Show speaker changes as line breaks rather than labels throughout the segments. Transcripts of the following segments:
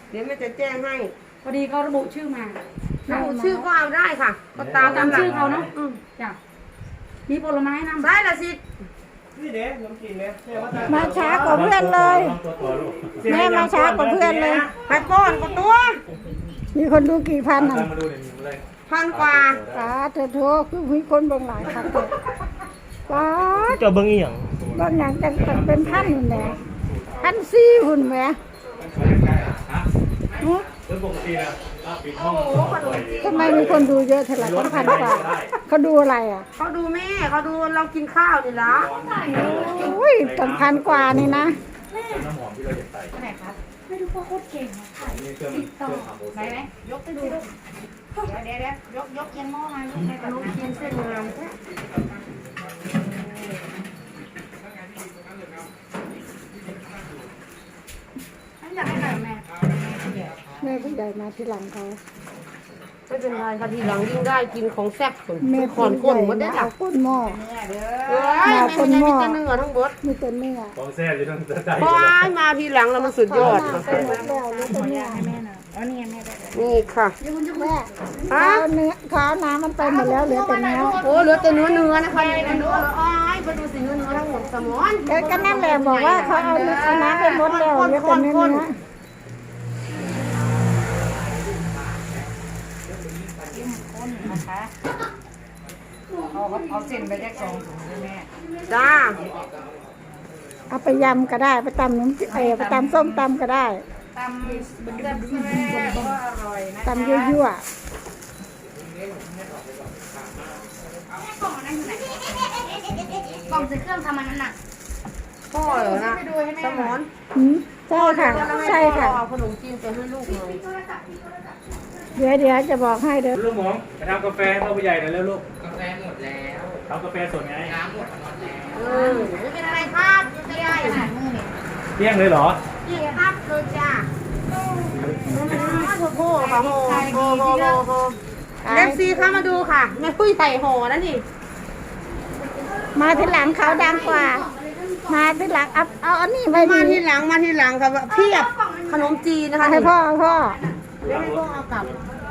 เดี๋ยวแม่จะแจ้งให้
พอดีเขาระบุชื่อมา
ระบุชื่อก็เอาได้ค่ะก็ตาม
ชื่อเขาเนาะจ้ะมีผลไม้นำ
ได้ละสิ
นี่เด้น้ำกินเนี่ย
มาช้ากว่าเพื่อนเลยแม่มาช้ากว่าเพื่อนเลย
ไปป้อนกับตัว
มีคนดูกี่พันอ่ะ
1,000 กว่า
เธอโทรคือมีคนเบิ่งหลายค่ะป้า
เจ้าเบิ่งอีหยัง
เบิ่งอย่างจังเป็นพันหุ่นแหม1,400หุ่นแหมทำไมมีคนดูเยอะเท่าไหร่1,000 กว่าเขาดูอะไรอ่ะ
เขาดูแม่เขาดูเรากินข้าวนี่ละ
โอ้ยตั้ง1,000 กว่านี่นะ
น้ำหอมที่เราจะใส่ไหนครับไม่รู้ว่าโคตรเก่งค่ะติดต่อไหนยกไปดูเดี๋ยวยกเย็นหม้อมาลูกในกับน้องเทียนเส้นงามแท้อยากให้แบบ
แม่ผู้ใหญ่มาที่หลังเขา
ไม่เป็นไรค่ะทีหลังยิ่งได้กินของแซ่บ
แม่
ขอนก้นหมดได้หลัก
ก้นหม้อ
มาก้นหม้อมีแต่เนื้อทั้งหมด
มีแต่เนื้อ
ของแซ่บอยู่ทั้งใจ
พอมาทีหลังแล้วมันสุดยอด
แล้วมีแต่เนื้อ
แม่นะอ๋อนี่แม่ได้
นี่ค่ะ
แม่ข้าวน้ำมันไปหมดแล้วเหลือแต่เนื้อ
โอ้เหลือแต่เนื้อนะคะเนื้ออ้ายไปดูสิเนื้อทั้งหมดสมอน
ก็นั่นแหละบอกว่าเขาเอาน้ำไปหมดแล้วเหลือแต่เนื้อ
นะคะเอาเส้นไปแยก2 ถุงเลยแม่
จ้า
เอาไปยำก็ได้ไปตำน้ำไปตำส้มตำก็ได้
ตำก็อร่อยนะ
ตำยั่ว
กล่องใส่เครื่องทำมันนั่นน่ะ
พ่อเหรอนะสมอน
ใช่ค่ะใช่ค่ะ
เอาขนมจีนไปให้ลูกเลย
เดี๋ยวจะบอกให้เด้อ
ลูกหมองไปทำกาแฟให้พ่อผู้ใหญ่หน่อยแล้วลูก
กาแฟหมดแล้ว
ทำกาแฟสดไง
น้ำหมดแล้ว
ไม่เป็นอะไรครับไม่ได้
ขนาดมือนี่
เที่ยงเลยเหรอ
นี่ครับเลยจ้าโอ้โหค่ะโหเอฟซีเข้ามาดูค่ะแม่ผู้ใหญ่โหนั่นนี่
มาที่หลังเขาดังกว่ามาที่หลังเอาอันนี้ไป
มาที่หลังค่ะเพียบขนมจีนนะคะ
ให้พ่อ
ให้พ่อเอากลับ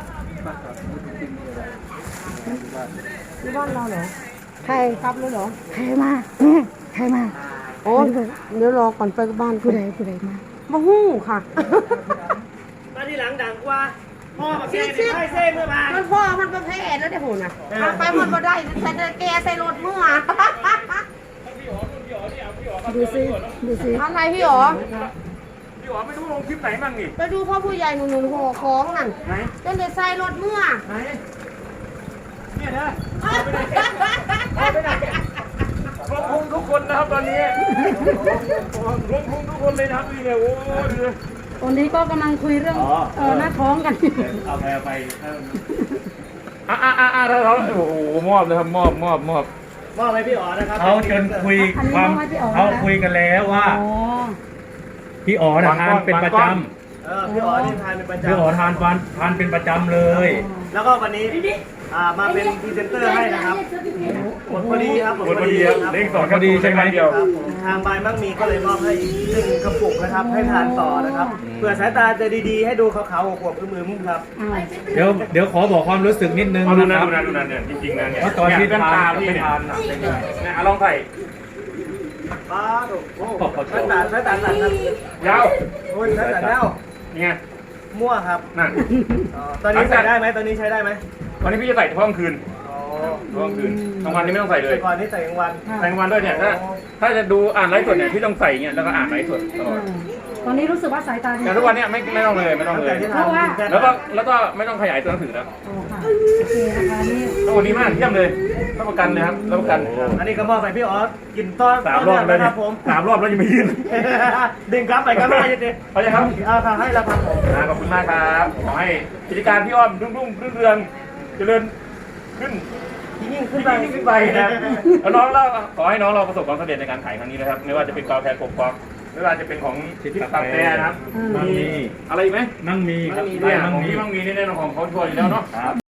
ที่บ้านเราเหรอ
ใคร
กลับเลยเหรอ
ใครมาเนี่ยใครมา
โอ้เดี๋ยวรอก่อนไปบ้าน
ผู้ใดมา
มาหู้ค่ะ
มาที่หลังดังกว่าพ่อมาแก้ให้เส้นเมื่อมา
มันพ่อมันประเภทแล้วเดี๋ยวโหนะไปมันบ่ได้แต่แกใส่รถมั่ว
ดูสิ
อะไรพี่หรอ
พี่อ๋อไม่รู้ลงคลิปไหนมั่งนี่
ไปดูพ่อผู้ใหญ่หนุ่มห่อของนั่นเป็นเด็กใส่รถมั่ว
เนี่ยนะลงพุงทุกคนนะครับตอนนี้ลงพุงทุกคนเลยนะครับนี่เนี่ยโอ้ย
ตอนนี้ก็กำลังคุยเรื่องหน้าท้องกัน
เอาไปเราโอ้โหมอบเลยครับมอบให้พี่อ๋อนะครับเขาจนคุยความเขาคุยกันแล้วว่าพี่อ๋อทานเป็นประจำพี่อ๋อที่ทานเป็นประจำพี่อ๋อทานเป็นประจำเลยแล้วก็วันนี้มาเป็นพรีเซนเตอร์ให้นะครับหมดพอดีครับหมดพอดีครับเลข2พอดีใช่ไหมทางบายมั่งมีก็เลยมอบให้1 กระปุกนะครับให้ทานต่อนะครับเผื่อสายตาจะดีๆให้ดูขาวๆขวบๆมือมุ้งครับเดี๋ยวขอบอกความรู้สึกนิดนึงนะครับดูนั่นเนี่ยจริงๆนะเนี่ยตอนที่ทานพี่ทานเนี่ยลองใส่ป้าถูกโอ้สายตาครับยาวโอ้ยสายตายาวเนี่ยมั่วครับนั่นตอนนี้ใส่ได้ไหมตอนนี้ใช้ได้ไหมวันนี้พี่จะใส่เฉพาะกลางคืนกลางคืนกลางวันนี้ไม่ต้องใส่เลยก่อนนี้ใส่กลางวันด้วยเนี่ยถ้าจะดูอ่านไลฟ์สดเนี่ยพี่ต้องใส่เงี้ยแล้วก็อ่านไลฟ์สดตลอด
ตอนนี้รู้สึกว่าสายตาดี
แต่ทุกวันนี้ไม่ต้องเลยเพราะว่าแล้วก็ไม่ต้องขยายตัวหนังสือแล้ว
โอเคนะคะนี่
ตัวนี้มากเยี่ยมเลยรับประกันเลยครับรับประกันอันนี้ก็มอบไปพี่ออสกินต้อน3 รอบแล้วครับผม3 รอบแล้วยังไม่ยืนดึงกลับไปกันไม่ได้ยังเขาจะครับเอาให้แล้วครับผมขอบคุณมากครับขอให้กิจการพี่อ้อมรุ่งเรืองเจริญขึ้นยิ่งขึ้นไปนะครับแล้วน้องเราขอให้น้องเราประสบความสำเร็จในการขายครั้งนี้นะครับไม่ว่าจะเป็นกาแฟกบกอกไม่ว่าจะเป็นของทิพย์กาแฟนะครับมีอะไรไหมมั่งมีครับมั่งมีแน่นอนของเขาช่วยอยู่แล้วเนาะ